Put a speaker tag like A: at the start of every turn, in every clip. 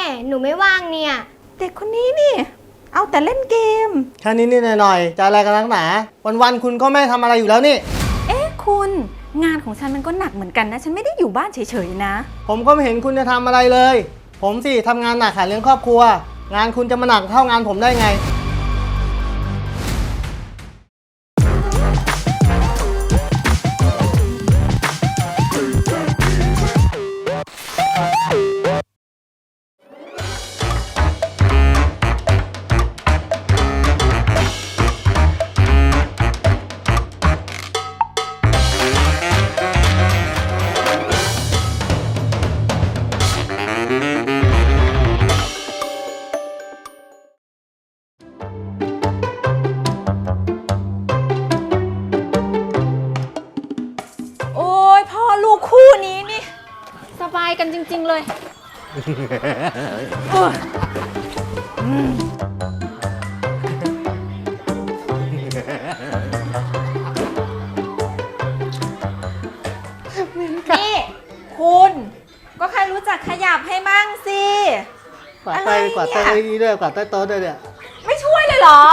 A: หนูไม่ว่างเนี่ย
B: เด็กคนนี้นี่เอาแต่เล่นเกม
C: แค่นิดๆหน่อยๆจะอะไรกันนักหนาวันๆคุณก็ไม่ทำอะไรอยู่แล้วนี่
B: คุณงานของฉันมันก็หนักเหมือนกันนะฉันไม่ได้อยู่บ้านเฉยๆนะ
C: ผมก็ไม่เห็นคุณจะทำอะไรเลยผมสิทำงานหนักหาเลี้ยงครอบครัวงานคุณจะมาหนักเท่างานผมได้ไง
B: โอ้ยพ่อลูกคู่นี้นี่สบายกันจริงๆเลยนี่คุณก็แค่รู้จักขยับให้มั่งสิ
C: กวาดไปกวาดใต้นี้ด้วยกวาดใต้โต๊ะด้วยเนี่ย
B: ไม่ช่วยเลยเหรอ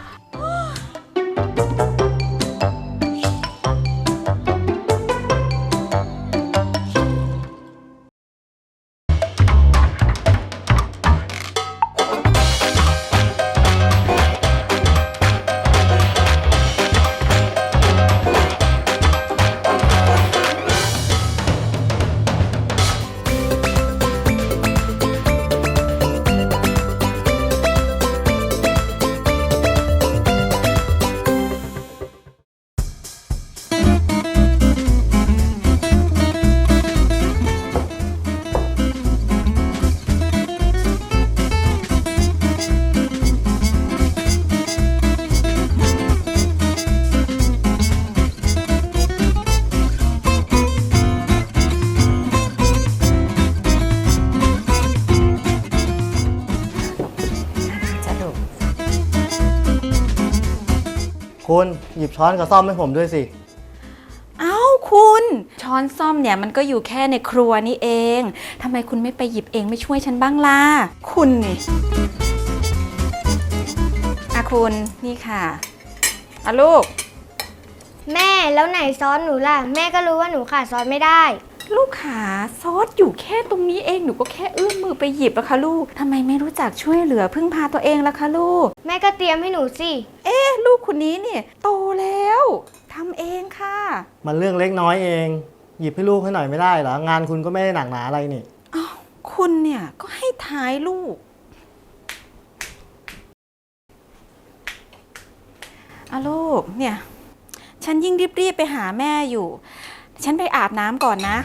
C: คุณหยิบช้อนกับซ่อมให้ผมด้วยสิ
B: เอ้าคุณช้อนซ่อมเนี่ยมันก็อยู่แค่ในครัวนี่เองทำไมคุณไม่ไปหยิบเองไม่ช่วยฉันบ้างล่ะคุณนี่คุณนี่ค่ะลูก
A: แม่แล้วไหนซอสหนูล่ะแม่ก็รู้ว่าหนูขาดซอสไม่ได้
B: ลูกขาซอสอยู่แค่ตรงนี้เองหนูก็แค่เอื้อมมือไปหยิบอะค่ะลูกทำไมไม่รู้จักช่วยเหลือพึ่งพาตัวเองล่ะคะลูก
A: แม่ก็เตรียมให้หนูสิ
B: ลูกคนนี้เนี่ยโตแล้วทำเองค่ะ
C: มันเรื่องเล็กน้อยเองหยิบให้ลูกให้หน่อยไม่ได้เหรองานคุณก็ไม่ได้หนักหนาอะไรนี่
B: อ้าวคุณเนี่ยก็ให้ท้ายลูกลูกเนี่ยฉันยิ่งรีบไปหาแม่อยู่ฉันไปอาบน้ำก่อนนะ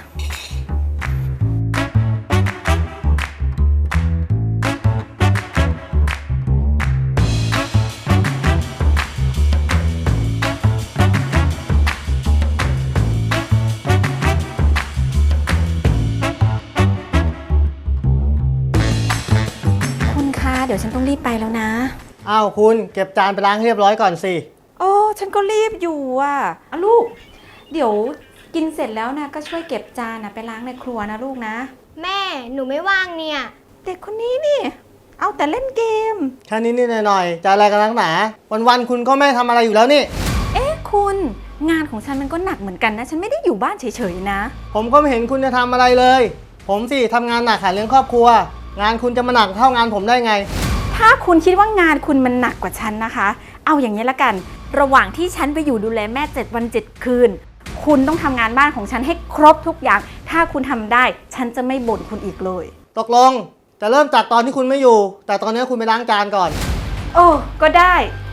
B: คุณคะเดี๋ยวฉันต้องรีบไปแล้วนะ
C: อ้าวคุณเก็บจานไปล้างให้เรียบร้อยก่อนสิ
B: โอ้ฉันก็รีบอยู่ลูกเดี๋ยวกินเสร็จแล้วนะก็ช่วยเก็บจานไปล้างในครัวนะลูกนะ
A: แม่หนูไม่ว่างเนี่ย
B: เด็กคนนี้นี่เอาแต่เล่นเกม
C: แค่นิดๆหน่อยๆจะอะไรกันนักหนาวันๆคุณก็ไม่ทำอะไรอยู่แล้วนี่
B: คุณงานของฉันมันก็หนักเหมือนกันนะฉันไม่ได้อยู่บ้านเฉยๆนะ
C: ผมก็ไม่เห็นคุณจะทำอะไรเลยผมสิทำงานหนักหาเลี้ยงครอบครัวงานคุณจะมาหนักเท่างานผมได้ไง
B: ถ้าคุณคิดว่างานคุณมันหนักกว่าฉันนะคะเอาอย่างนี้ละกันระหว่างที่ฉันไปอยู่ดูแลแม่7 วัน 7 คืนคุณต้องทำงานบ้านของฉันให้ครบทุกอย่างถ้าคุณทำได้ฉันจะไม่บ่นคุณอีกเลย
C: ตกลงจะเริ่มจากตอนที่คุณไม่อยู่แต่ตอนนี้คุณไปล้างจานก่อน
B: ก็ได้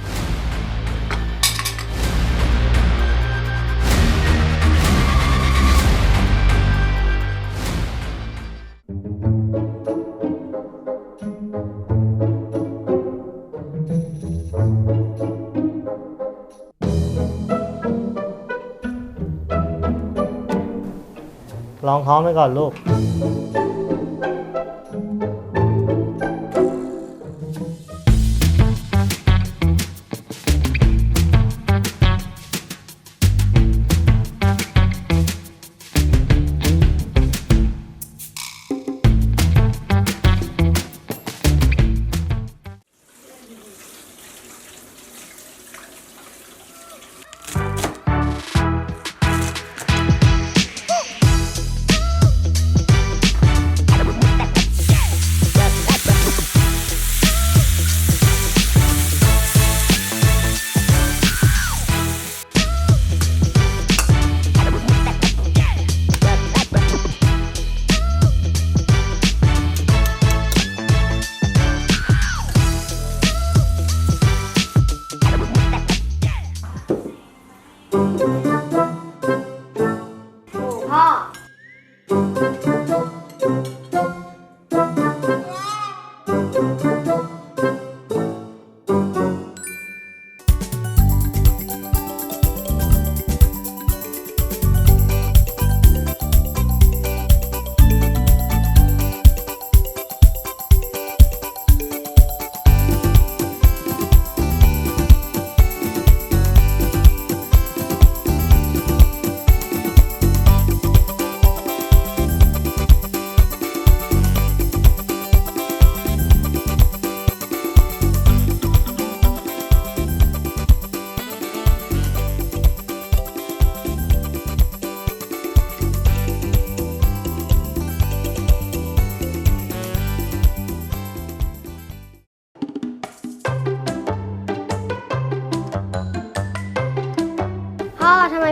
C: ลองท้องไปก่อนลูก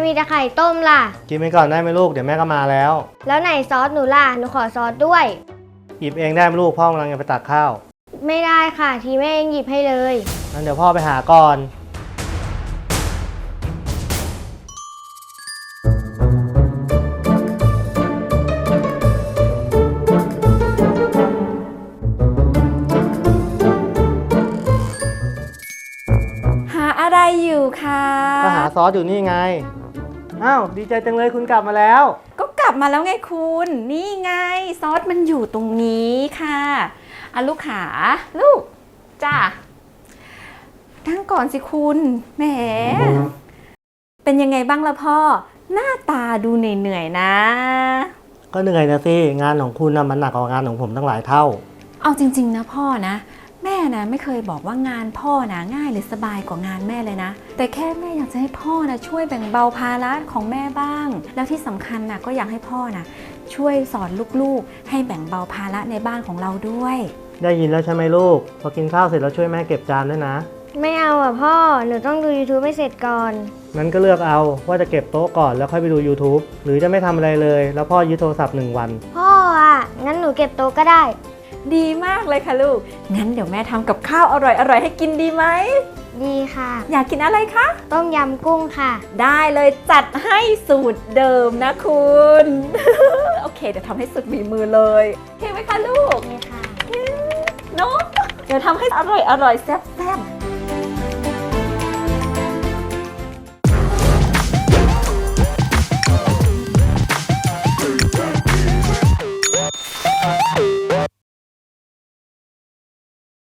A: มีแต่ไข่ต้มล่ะ
C: กินไปก่อนได้ไหมลูก เดี๋ยวแม่ก็มาแล้ว
A: แล้วไหนซอสหนูล่ะ หนูขอซอสด้วย
C: หยิบเองได้ไหมลูก พ่อกำลังจะไปตักข้าว
A: ไม่ได้ค่ะ ทีแม่เองหยิบให้เลย
C: งั้นเดี๋ยวพ่อไปหาก่อน
B: หาอะไรอยู่คะ
C: ก็หาซอสอยู่นี่ไง อ้าว ดีใจจังเลยคุณกลับมาแล้ว
B: ก็กลับมาแล้วไงคุณ นี่ไงซอสมันอยู่ตรงนี้ค่ะอ่ะลูกขาลูกจ้านั่งก่อนสิคุณแหมเป็นยังไงบ้างล่ะพ่อ หน้าตาดูเหนื่อยๆนะ
C: ก็เหนื่อยนะสิ งานของคุณนะมันหนักกว่างานของผมตั้งหลายเท่า
B: เอาจริงๆนะพ่อนะแม่นะไม่เคยบอกว่างานพ่อนะง่ายหรือสบายกว่างานแม่เลยนะแต่แค่แม่อยากจะให้พ่อนะช่วยแบ่งเบาภาระของแม่บ้าง แล้วที่สำคัญนะก็อยากให้พ่อนะช่วยสอนลูกๆให้แบ่งเบาภาระในบ้านของเราด้วย
C: ได้ยินแล้วใช่ไหมลูก พอกินข้าวเสร็จแล้วช่วยแม่เก็บจานด้วยนะ
A: ไม่เอาอ่ะพ่อ หนูต้องดู YouTube ให้เสร็จก่อน
C: งั้นก็เลือกเอาว่าจะเก็บโต๊ะก่อนแล้วค่อยไปดู YouTube หรือจะไม่ทำอะไรเลย แล้วพ่อยึดโทรศัพท์1 วัน
A: พ่ออ่ะ งั้นหนูเก็บโต๊ะก็ได้
B: ดีมากเลยค่ะลูกงั้นเดี๋ยวแม่ทำกับข้าวอร่อยๆให้กินดีไหม
A: ดีค่ะ
B: อยากกินอะไรคะ
A: ต้มยำกุ้งค่ะ
B: ได้เลยจัดให้สูตรเดิมนะคุณ โอเคเดี๋ยวทำให้สุดฝีมือเลยโอเคไหมคะลูก
A: นี่ค่ะ
B: เนาะเดี๋ยวทำให้อร่อยๆแซ่บๆ